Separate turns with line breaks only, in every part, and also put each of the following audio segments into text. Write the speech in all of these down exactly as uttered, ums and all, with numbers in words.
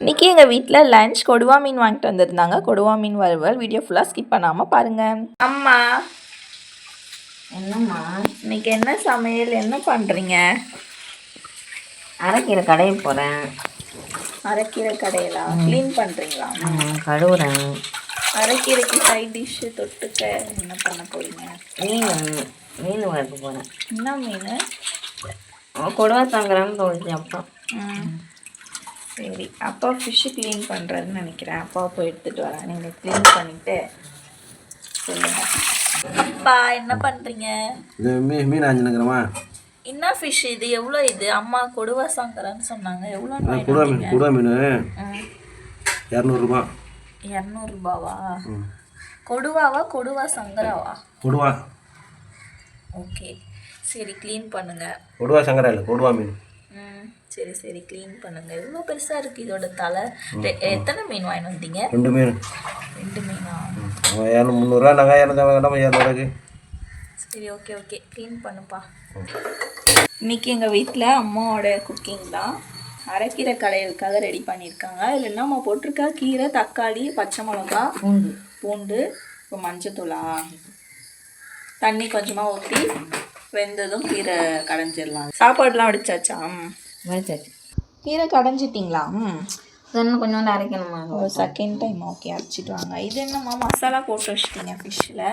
இன்றைக்கி எங்கள் வீட்டில் லஞ்ச் கொடுவா மீன் வாங்கிட்டு வந்திருந்தாங்க. கொடுவா மீன் வறுவல். வீடியோ ஃபுல்லாக ஸ்கிப் பண்ணாமல் பாருங்கள். அம்மா
என்னம்மா
இன்னைக்கு என்ன சமையல், என்ன பண்ணுறீங்க?
அரைக்கீரை கடைய போகிறேன்.
அரைக்கீரை கடையிலா க்ளீன் பண்ணுறீங்களா?
கழுவுறேன்.
அரைக்கீரைக்கு சைட் டிஷ்ஷு தொட்டுக்க என்ன பண்ண போகிறீங்க?
மீன் மீன் வளர்க்க போகிறேன்.
என்ன மீன்?
கொடுவா தாங்குறான்னு தோணுச்சு அப்பா.
ம் சரி, அப்பா ஃபிஷ்ஷு க்ளீன் பண்ணுறதுன்னு நினைக்கிறேன். அப்பா போய் எடுத்துகிட்டு வரேன். நீங்கள் க்ளீன் பண்ணிவிட்டு சொல்லுங்கள். அப்பா என்ன பண்ணுறீங்க?
இது மீ மீன் ஆஞ்சினுங்கிறமா.
என்ன ஃபிஷ் இது? எவ்வளோ இது? அம்மா கொடுவா சாங்கரான்னு சொன்னாங்க. எவ்வளோ?
கொடுவா மீன். கொடுவா மீன் இரநூறுபா.
இரநூறுபாவா? கொடுவாவா கொடுவா சங்கராவா?
கொடுவா.
ஓகே சரி, க்ளீன் பண்ணுங்கள்.
கொடுவா சங்கரா இல்லை, கொடுவா மீன்.
ம் சரி சரி, க்ளீன் பண்ணுங்கள். எவ்வளோ பெருசாக இருக்குது இதோட தலை. எத்தனை மீன் வாங்கிட்டு வந்தீங்க?
ரெண்டு மீன்.
ரெண்டு மீனா?
இரநூறு முந்நூறுரூவா. நாங்கள் இரநூறு இரநூறுவாக்கு.
சரி ஓகே ஓகே, க்ளீன் பண்ணுப்பா. இன்றைக்கி எங்கள் வீட்டில் அம்மாவோட குக்கிங் தான். அரைக்கீரை கடையிலுக்காக ரெடி பண்ணியிருக்காங்க. இதில் என்னம்மா போட்டிருக்கா? கீரை, தக்காளி, பச்சை மிளகா, பூண்டு பூண்டு இப்போ மஞ்சத்தூளா? தண்ணி கொஞ்சமாக ஊற்றி வெந்ததும் கீரை கடைஞ்சிடலாம். சாப்பாடுலாம் அடிச்சாச்சா?
வடிச்சாச்சு.
கீரை கடைஞ்சிட்டிங்களா? ம்
இன்னும் கொஞ்சோண்டு அரைக்கணுமா?
ஒரு செகண்ட் டைம். ஓகே, அரைச்சிட்டு வாங்க. இது என்னம்மா மசாலா போட்டு வச்சிட்டிங்க ஃபிஷ்ஷில்?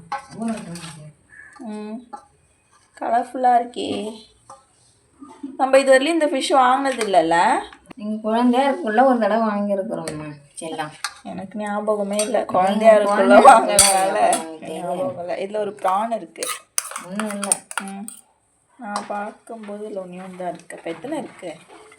ம் கலர்ஃபுல்லாக இருக்கே. நம்ம இது வரலையும் இந்த ஃபிஷ் வாங்கினது இல்லைல்ல?
நீங்கள் குழந்தையா இருக்குள்ள ஒரு தடவை வாங்கியிருக்கிறோம்மா. செல்லாம்
எனக்கு ஞாபகமே இல்லை. குழந்தையா இருக்குள்ள வாங்கினால ஞாபகம் இல்லை. இதில் ஒரு ப்ரான் இருக்குது.
ஒன்றும் இல்லை.
ம் நான் பார்க்கும்போது இல்லை ஒன்றே ஒன்று தான் இருக்குது. அப்போ எத்தனை இருக்குது?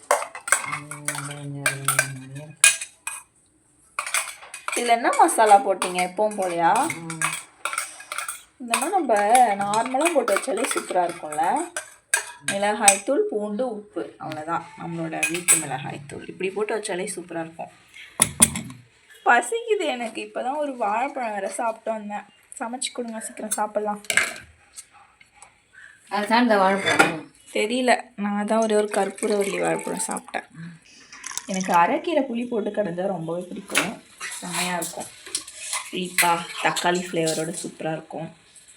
இதில் என்ன மசாலா போட்டிங்க? எப்பவும் போலையா? இந்த மாதிரி நம்ம நார்மலாக போட்டு வச்சாலே சூப்பராக இருக்கும்ல. மிளகாய்த்தூள், பூண்டு, உப்பு, அவ்வளோதான். நம்மளோட வீட்டு மிளகாய்த்தூள் இப்படி போட்டு வச்சாலே சூப்பராக இருக்கும். பசிக்குது எனக்கு. இப்போ தான் ஒரு வாழைப்பழம் வேறு சாப்பிட்டு வந்தேன். சமைச்சு கொடுங்க, சீக்கிரம் சாப்பிட்லாம்.
அது சாப்பிட்ட வாழைப்பழம்
தெரியல. நான் தான் ஒரே ஒரு கற்பூரவல்லி வாழைப்பழம் சாப்பிட்டேன். எனக்கு அரைக்கீரை புளி போட்டு கடைஞ்சால் ரொம்பவே பிடிக்கும். செம்மையாக இருக்கும். புளிப்பா தக்காளி ஃப்ளேவரோட சூப்பராக இருக்கும்.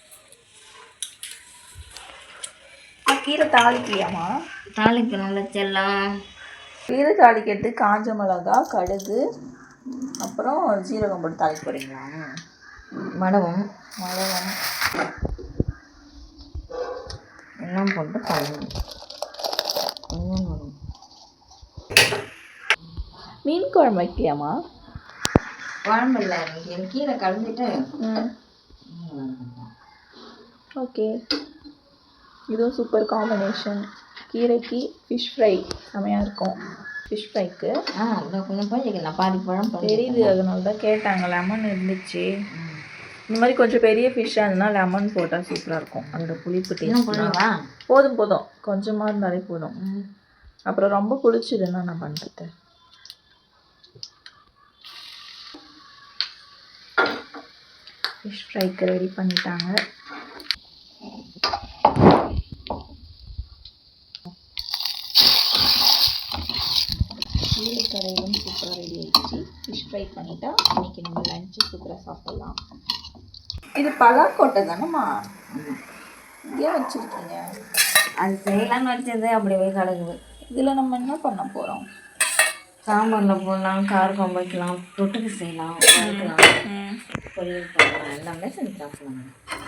கீரை தாளிக்கலையாம்மா?
தாளிக்கணும்ல செல்லம்.
கீரை தாளிக்கிறது காஞ்ச மிளகா, கடுகு, அப்புறம் ஜீரகம் போட்டு தாளிக்க போகிறீங்களா?
மடவும்
மடவும்
எல்லாம் போட்டு பண்ணணும்.
மீன் குழம்பு வைக்கலையாம்மா?
குழம்பு இல்லை, எனக்கு கீரை கலந்துட்டு.
ஓகே, இதுவும் சூப்பர் காம்பினேஷன். கீரைக்கு ஃபிஷ் ஃப்ரை செமையாக இருக்கும். ஃபிஷ் ஃப்ரைக்கு
ஆ இன்னும் கொஞ்சம் பழம் பாதி பழம்
தெரியுது. அதனால தான் கேட்டாங்க. லெமன் இருந்துச்சு. இந்த மாதிரி கொஞ்சம் பெரிய ஃபிஷ்ஷாக இருந்ததுன்னா லெமன் போட்டால் சூப்பராக இருக்கும். அதோட புளிப்பு டேஸ்ட் போதும் போதும் கொஞ்சமாக இருந்தாலே போதும். அப்புறம் ரொம்ப புளிச்சதுன்னா நான் பண்ணுறது. ஃபிஷ் ஃப்ரைக்கு ரெடி பண்ணிட்டாங்க. கீரை கடையிலும் சூப்பராக ரெடி ஆகிடுச்சு. ஃபிஷ் ஃப்ரை பண்ணிட்டா இன்றைக்கி நம்ம லஞ்சு சூப்பராக சாப்பிட்லாம். இது பலாக்கோட்டை தானேம்மா? ஏன் வச்சுருக்கீங்க?
அது செய்யலான்னு வச்சது அப்படி போய் கிடக்குது.
இதில் நம்ம என்ன பண்ண போகிறோம்?
சாம்பாரில் போடலாம், காரம் வைக்கலாம், தொட்டுக்கு செய்யலாம், வறுக்கலாம், பொரியல் பண்ணலாம், எல்லாமே செஞ்சு சாப்பிடலாம்.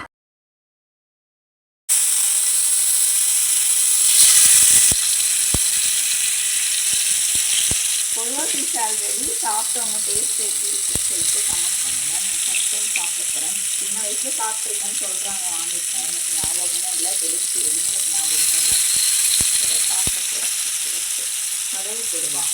பொதுவாக ஃபிஷ் ஆல்ரெடி சாப்பிட்டவங்க டேஸ்ட் எப்படி இருக்குன்னு சொல்லிட்டு கமெண்ட் பண்ணுங்கள். நான் ஃபஸ்ட் டைம் சாப்பிட போகிறேன். சின்ன வயசில் சாப்பிட்ருக்கேன்னு சொல்கிறாங்க, வாங்கியிருக்கேன். எனக்கு ஞாபகமே இல்லை. டேஸ்ட் எதுவும் எனக்கு ஞாபகமே இல்லை. சாப்பிட போகிறேன். கடவுள் கொடுவா.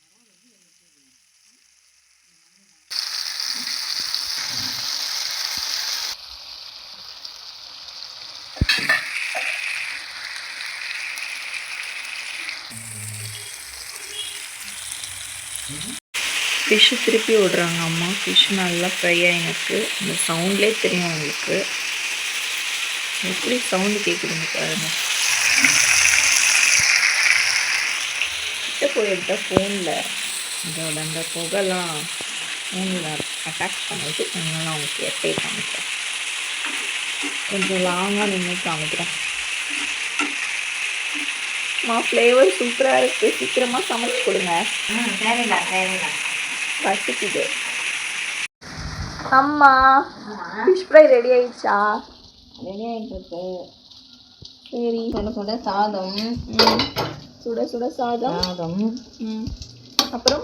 ஃபிஷ்ஷு திருப்பி விடுறாங்க அம்மா. ஃபிஷ் நல்லா ஃப்ரை ஆகினுக்கு. இந்த சவுண்ட்லேயே தெரியும் உங்களுக்கு எப்படி சவுண்டு கேட்குதுங்க பாருங்க. கிட்ட போய் எடுத்தால் ஃபோனில் இதோட அந்த புகைலாம் மூணில் அட்டாக் பண்ணிட்டு அதனால அவங்களுக்கு எட்டே காமிக்கிறேன். கொஞ்சம் லாங்காக நின்று காமிக்கிறேன். மா ஃப்ளேவர் சூப்பராக இருக்குது. சீக்கிரமாக சமைச்சு கொடுங்க.
ம் சரிடா சரிடா.
பசிக்குது. அம்மா ஃபிஷ் ஃப்ரை ரெடி ஆயிடுச்சா?
ரெடி ஆகிட்டு இருக்கு.
சரி.
சுட சுட சாதம்.
ம் சுட சுட சாதம்.
சாதம்.
ம் அப்புறம்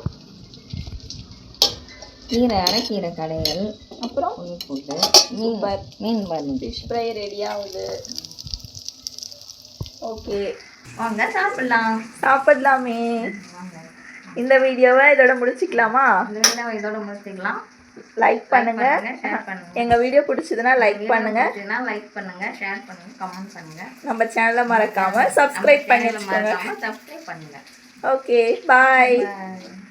கீரை அரைக்கீரை கடைகள்.
அப்புறம்
புளி போட்டு மீன் மீன் பருப்பு.
ஃபிஷ் ஃப்ரை ரெடி ஆகுது. ஓகே
வாங்க சாப்பிடலாம்.
சாப்பிடலாமே.
வாங்க.
இந்த வீடியோவை இதோட முடிச்சுக்கலாமா?
இந்த வீடியோவை இதோட முடிச்சுக்கலாம்.
லைக் பண்ணுங்க.
ஷேர் பண்ணுங்க.
எங்க வீடியோ பிடிச்சதுன்னா லைக் பண்ணுங்க.
லைக் பண்ணுங்க, ஷேர் பண்ணுங்க, கமெண்ட் பண்ணுங்க.
நம்ம சேனலை மறக்காம சப்ஸ்கிரைப் பண்ணி வச்சுக்கோங்க.
சப்ஸ்கிரைப் பண்ணுங்க.
Okay bye.
Bye.